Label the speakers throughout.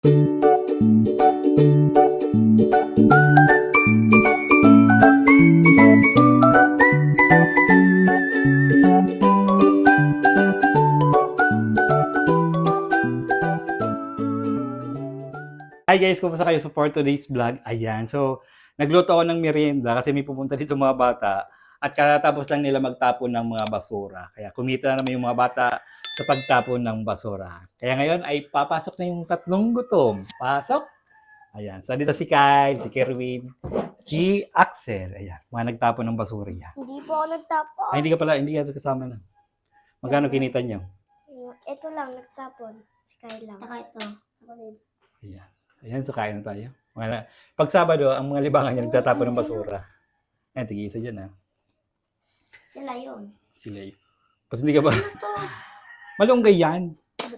Speaker 1: Hi guys, kumusta kayo for today's vlog? Ayan, so nagluto ako ng merienda kasi may pupunta dito mga bata at katapos lang nila magtapon ng mga basura. Kaya kumita na naman yung mga bata sa pagtapon ng basura. Kaya ngayon ay papasok na yung tatlong gutom. Pasok! Ayan, so dito si Kyle, si Kerwin, si Axel. Ayan, mga nagtapon ng basura yan.
Speaker 2: Hindi po ako nagtapon.
Speaker 1: Ay, hindi ka kasama na. Magkano kinita nyo?
Speaker 2: Ito lang, nagtapon. Si Kyle lang. Saka ito. Ako din.
Speaker 1: Ayan. Ayan, so kain na tayo. Pag Sabado, ang mga libangan niya nagtatapon ng basura. Ayan, tig-isa dyan ha.
Speaker 2: Sila yun.
Speaker 1: Sila yun. Pag hindi ka ba?
Speaker 2: Ano to?
Speaker 1: Malunggay yan.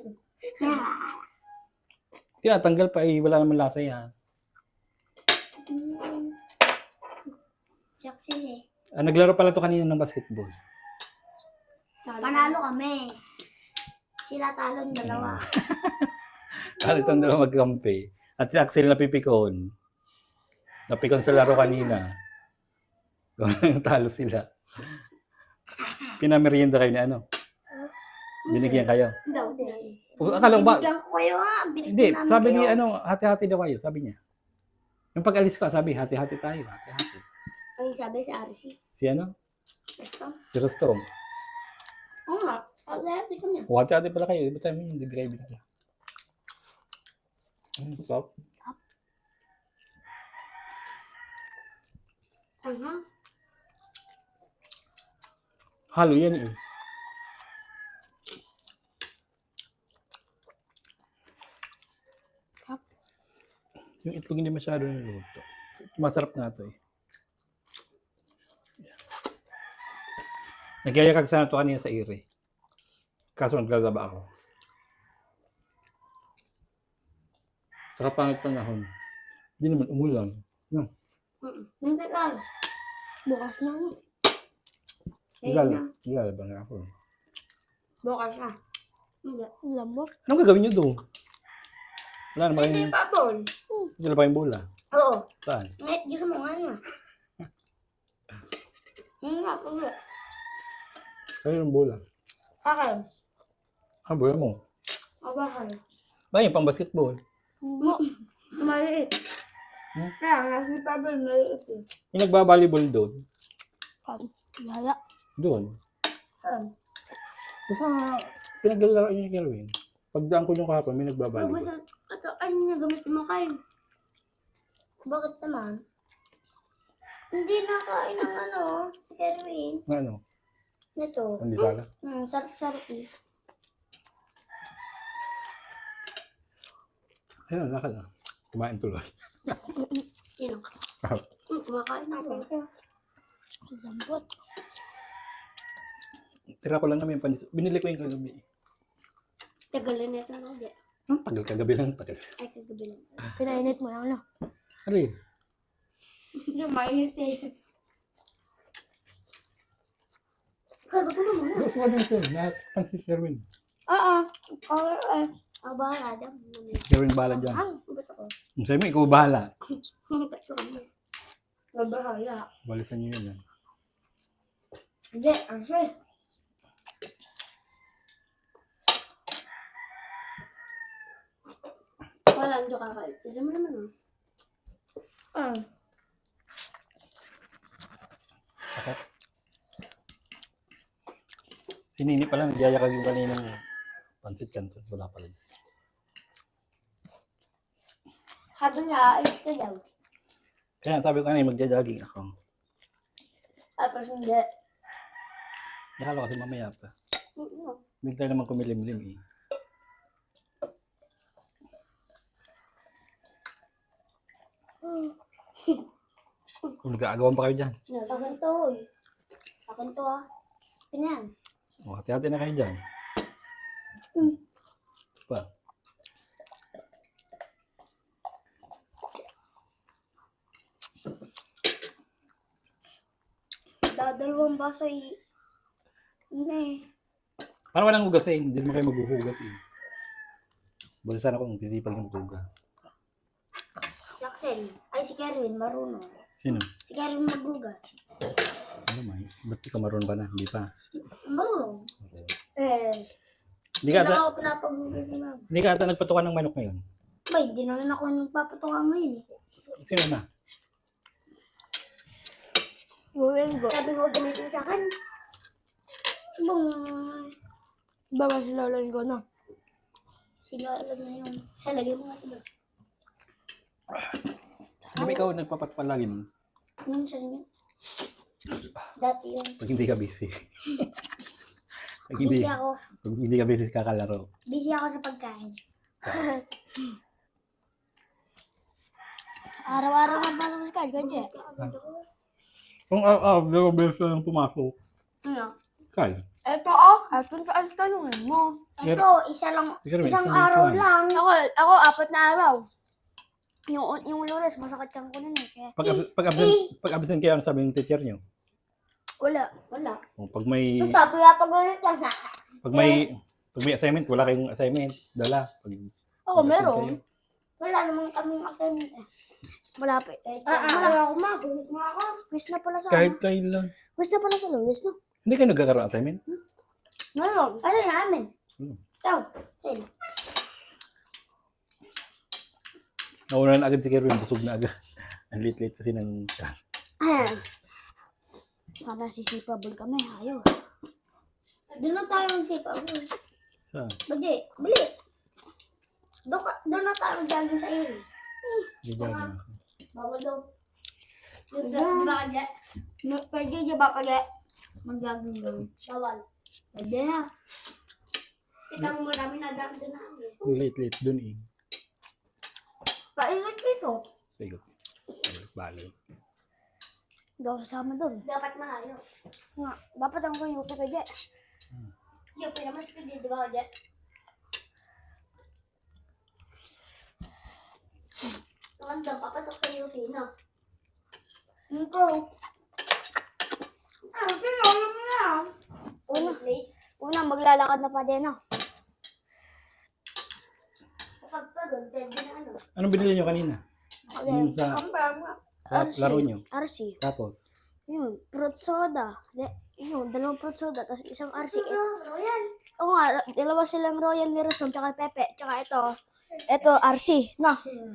Speaker 1: Tinatanggal pa eh, wala naman lasa yan.
Speaker 2: Saksi eh.
Speaker 1: Naglaro pala to kanina ng basketball.
Speaker 2: Panalo kami. Sila talon dalawa.
Speaker 1: Talo itong dalawa magkampi. At si Axel napipikon. Napikon sa laro kanina. Talo sila. Pinamerienda kayo ni ano? Binigyan kayo?
Speaker 2: Hindi.
Speaker 1: Akala ko ba?
Speaker 2: Binigyan ko kayo ha.
Speaker 1: Hindi, sabi ni ano, hati-hati daw kayo, sabi niya. Yung pag-alis ko, sabi, hati-hati tayo, hati-hati.
Speaker 2: Ang sabi sa RC.
Speaker 1: Si ano?
Speaker 2: Basta.
Speaker 1: Si Rostom.
Speaker 2: Oo nga. Hati-hati ko niya.
Speaker 1: Hati-hati pala kayo, iba tayo hindi kayo binigyan. Stop. Halo yan eh. Yung itlog hindi masyado niluto. Masarap nga ito eh. Nagyayakag sana ito kanina sa ire. Kaso naglalaba ako. Saka pangit panahon. Hindi naman umulan. No.
Speaker 2: Hindi lang. Bukas na.
Speaker 1: Ilalaba na ako.
Speaker 2: Bukas na. Lambot.
Speaker 1: Anong gagawin nyo doon? Wala naman
Speaker 2: Kasi
Speaker 1: kayong...
Speaker 2: pabon.
Speaker 1: Wala pa yung bola.
Speaker 2: Oo.
Speaker 1: Saan?
Speaker 2: Ngayon, gusto mo nga na. Hindi nga po.
Speaker 1: Saan yung bola?
Speaker 2: Akin.
Speaker 1: Ah, bola mo.
Speaker 2: Abahan.
Speaker 1: Ba yung pang basketball?
Speaker 2: Maliit. Kaya nga si Pablo maliit eh.
Speaker 1: Yung nagbabalibol doon?
Speaker 2: Wala.
Speaker 1: Doon. Basta pinaglalaro niyo ni Kerwin. Pagdaan ko yung kahapon, may nagbabalibol.
Speaker 2: Basta, ano niya gamit mo kayo? Bakit naman? Hindi nakain ng ano, si Kerwin.
Speaker 1: Ano?
Speaker 2: Ito.
Speaker 1: Hindi sala?
Speaker 2: Sarap-sarap eh.
Speaker 1: Ayun, lakad na. Kumain tuloy.
Speaker 2: Sino? Kumakain ako. Lambot.
Speaker 1: Tira ko lang naman yung panis. Binili ko yung kagabi.
Speaker 2: Tagalin na ito na ulit.
Speaker 1: Tagal kagabi lang. Tagal.
Speaker 2: Ay, kagabi lang. Pinainit mo lang, no?
Speaker 1: Ano yun?
Speaker 2: Yung mainit eh. Kalba ko naman.
Speaker 1: Gusto ko din siya. Nakakpan si Sherwin.
Speaker 2: Oo. Ang bahala dyan.
Speaker 1: Sherwin bahala dyan.
Speaker 2: Ba't ako?
Speaker 1: Sabi mo, ikaw bahala.
Speaker 2: Ba't ako? Mabahala.
Speaker 1: Balisan niyo yun.
Speaker 2: Hindi, kasi. Wala, hindi ka kayo. Hindi mo naman ah.
Speaker 1: Okay. Si Nini pala, nagyayakag yung kaninang pansit canton. Wala pala.
Speaker 2: Sabi niya, ayos ka daw.
Speaker 1: Kaya sabi ko kanina, magja-jogging ako.
Speaker 2: Tapos hindi.
Speaker 1: Nakala ko kasi mamaya pa. Bigla naman kumilimlim eh. Kung nag-aagawan pa kayo dyan.
Speaker 2: Akin to eh. Akin to ah. Pinyan.
Speaker 1: O, hati-hati na kayo dyan. Pa.
Speaker 2: Dadalawang baso eh. Hindi.
Speaker 1: Parang walang hugas eh. Hindi naman kayo maghuhugas eh. Balisan ako kung sisipag yung tuga.
Speaker 2: Si Axel. Ay, si Kerwin, marunong.
Speaker 1: Sino?
Speaker 2: Si Kerwin maghugas.
Speaker 1: Ano may? Ba't di ka marunong pa na? Hindi pa.
Speaker 2: Marunong.
Speaker 1: Hindi
Speaker 2: Hindi
Speaker 1: ka
Speaker 2: lang
Speaker 1: ata,
Speaker 2: ako pinapaghugas ni mama.
Speaker 1: hindi ka ata nagpatukan ng manok ngayon.
Speaker 2: Bay, di naman ako nagpapatungan ngayon eh.
Speaker 1: Sino na?
Speaker 2: Sabi mo gamitin sa akin. Bung,
Speaker 3: Baba si Lola ko na.
Speaker 2: sino alam na yun. Halagay mo nga ito.
Speaker 1: Di ba ikaw nagpapatukan lagi nun?
Speaker 2: Minsan yun. Dati yun.
Speaker 1: Pag hindi ka busy. Pag
Speaker 2: Busy
Speaker 1: hindi,
Speaker 2: ako.
Speaker 1: pag hindi ka busy kakalaro.
Speaker 2: Busy ako sa pagkain.
Speaker 3: Araw-araw na pasok sa kanya, Kaya.
Speaker 1: Kung araw-araw beses lang pumasok.
Speaker 3: Ano?
Speaker 1: Kyle.
Speaker 3: Ito ang tanongin mo.
Speaker 2: Ito, isa lang,
Speaker 1: Si Kerwin,
Speaker 2: isang
Speaker 1: isang
Speaker 2: araw
Speaker 1: minuto
Speaker 2: lang.
Speaker 3: Ako 4 na araw. Yung Lunes, masakit kang ko nun eh. Kaya,
Speaker 1: Pag absent kayo, ano sabi ng teacher niyo?
Speaker 3: wala.
Speaker 1: O, pag may
Speaker 2: Ito, pinapagulot lang sa akin.
Speaker 1: pag may assignment, wala kayong assignment, dala. Pag
Speaker 3: Ako
Speaker 1: absent
Speaker 3: meron.
Speaker 1: kayo.
Speaker 2: Wala namang kaming assignment eh.
Speaker 3: Malapit.
Speaker 2: Wala ako magulit mo ako.
Speaker 3: Quiz na pala sa
Speaker 1: Kahit kailan.
Speaker 3: Quiz na pala sa Lunes, no?
Speaker 1: Hindi kayo nagkakaroon ng assignment?
Speaker 3: Meron.
Speaker 2: Ano yung amin?
Speaker 1: Hmm.
Speaker 2: Ito, sino?
Speaker 1: Nauna na agad si Kerwin, busog na agad. Ang late-late kasi ng
Speaker 3: Sana sisipabol kami. Ayaw.
Speaker 2: Doon na tayo magsipa.
Speaker 1: sa
Speaker 2: Bali. Doon na tayo mag-jogging sa area.
Speaker 1: hindi na.
Speaker 2: Bawal daw.
Speaker 3: Pwede niya ba pala?
Speaker 2: Mag-jogging daw. Bawal. Pwede na. Kita mo marami na dami doon namin.
Speaker 1: Ang late-late dun eh.
Speaker 2: Paingat dito.
Speaker 1: Sige. Bali.
Speaker 3: Hindi ako sasama doon.
Speaker 2: Dapat malayo.
Speaker 3: Nga, dapat ang kanyupi ka dyan.
Speaker 2: Yung pinamas ko dito ba ako dyan? Naman daw, papasok sa UP, no? Ito. Pinolo mo na.
Speaker 3: Una, maglalakad na pa din, no?
Speaker 2: Kapag pagod, pwede na ano.
Speaker 1: Anong binili nyo kanina? Yung sa laro nyo.
Speaker 3: RC.
Speaker 1: Tapos,
Speaker 3: Yun, fruit soda. Yun, 2 fruit soda, tapos isang RC.
Speaker 2: Royal.
Speaker 3: Oo nga, 2 silang Royal ni Rason, tsaka Pepe, tsaka ito RC, no?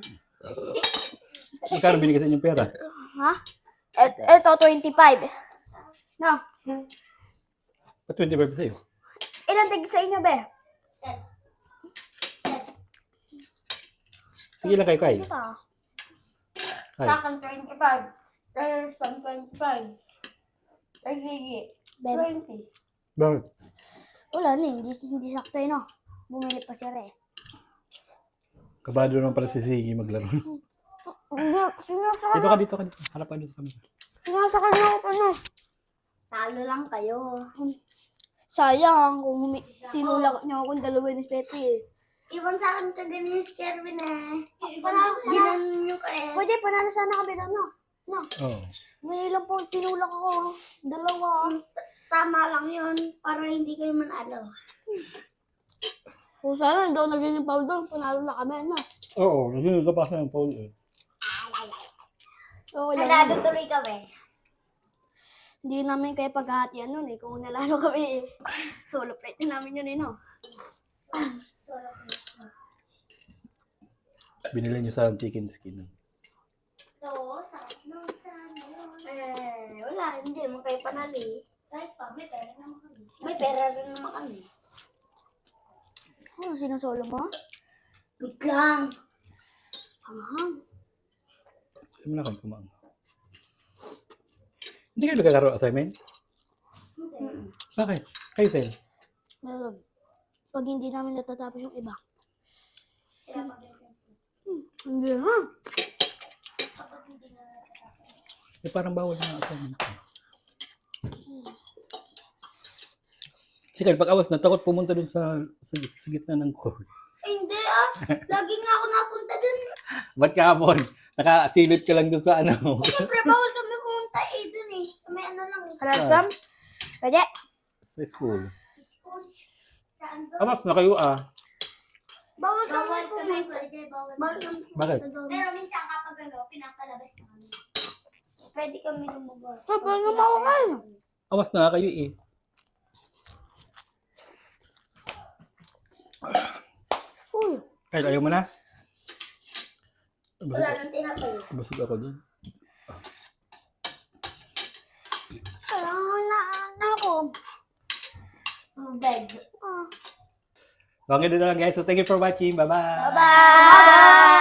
Speaker 1: magkano binigay sa inyong pera?
Speaker 3: Ha? Ito 25. No?
Speaker 1: Pa 25 sa'yo.
Speaker 3: Ilan tig sa inyo, be?
Speaker 1: Sige lang kayo, Kyle.
Speaker 3: Ito.
Speaker 1: Kyle.
Speaker 2: Sa akin, 25. Kaya sa 25. Ay, sige. 20.
Speaker 1: Bakit?
Speaker 3: Wala na, hindi sakto yun, no? Bumili pa si Re.
Speaker 1: Kabado naman pala si Ziggy maglaro.
Speaker 3: Sinasaka
Speaker 1: Dito ka. Harap ka dito kami.
Speaker 3: niyo ako, ano?
Speaker 2: Talo lang kayo.
Speaker 3: Sayang, kung tinulak niyo akong 2 ni Pepe, eh.
Speaker 2: Iwan sa akin ka ganyan si Kerwin eh. Ginan nyo ka eh.
Speaker 3: Pwede, panalo sana kami doon, no? No?
Speaker 1: Oo.
Speaker 3: Ngayon lang po, tinulak ako. 2.
Speaker 2: Tama lang yun. Para hindi kayo manalo.
Speaker 3: Kung sana, hindi ako naging yung foul doon. Panalo na kami, no?
Speaker 1: Oo, naging nagkapasa ng Paul eh.
Speaker 3: Okay lang.
Speaker 2: Nanalo tuloy kami.
Speaker 3: Hindi namin kaya paghahatian nun, eh. Kung nalalo kami, eh. Solo plate din namin yun, eh, no?
Speaker 1: Binili niyo sa chicken skin.
Speaker 2: Oo, sarap nung sana yun. Wala. Hindi naman kayo panali. Kahit pa, may pera naman kami. May pera rin naman kami.
Speaker 3: Ano, sinusolo mo?
Speaker 2: Wait lang.
Speaker 1: Sabi mo na kayo kumain. Hindi kayo nagkakaroon assignment? Bakit? Kayo, Sel?
Speaker 3: Meron. Pag hindi namin natatapos yung iba. Hindi ha.
Speaker 1: Eh, parang bawal na assignment. Sige, pag awas na, takot pumunta dun sa gitna ng court.
Speaker 2: Hindi ah. Lagi nga ako napunta dun.
Speaker 1: Ba't kahapon? Nakasilip ka lang dun sa ano.
Speaker 2: Siyempre, bawal kami pumunta eh dun eh. Sa may ano lang eh.
Speaker 3: Kalasam? Pwede.
Speaker 1: Sa school.
Speaker 2: School. Saan doon?
Speaker 1: Amas na kayo ah.
Speaker 2: Bawal kami
Speaker 3: Bawal kami
Speaker 2: pumunta.
Speaker 3: pwede, bawal
Speaker 2: Bawal
Speaker 3: kami.
Speaker 2: kami
Speaker 1: Bakit?
Speaker 2: pumunta doon.
Speaker 3: Pero minsan kapag pinapalabas na kami.
Speaker 2: Pwede kami lumabas.
Speaker 3: Sabay naman ako kayo.
Speaker 1: Awas na kayo eh.
Speaker 3: Uy.
Speaker 1: Kahit ayaw mo na.
Speaker 2: Wala nang tinapay.
Speaker 1: Busog ako dun.
Speaker 3: Wala na ako.
Speaker 2: Bed.
Speaker 3: Ah.
Speaker 1: So, hanggang dito lang guys. So, thank you for watching. Bye-bye.
Speaker 3: Bye-bye!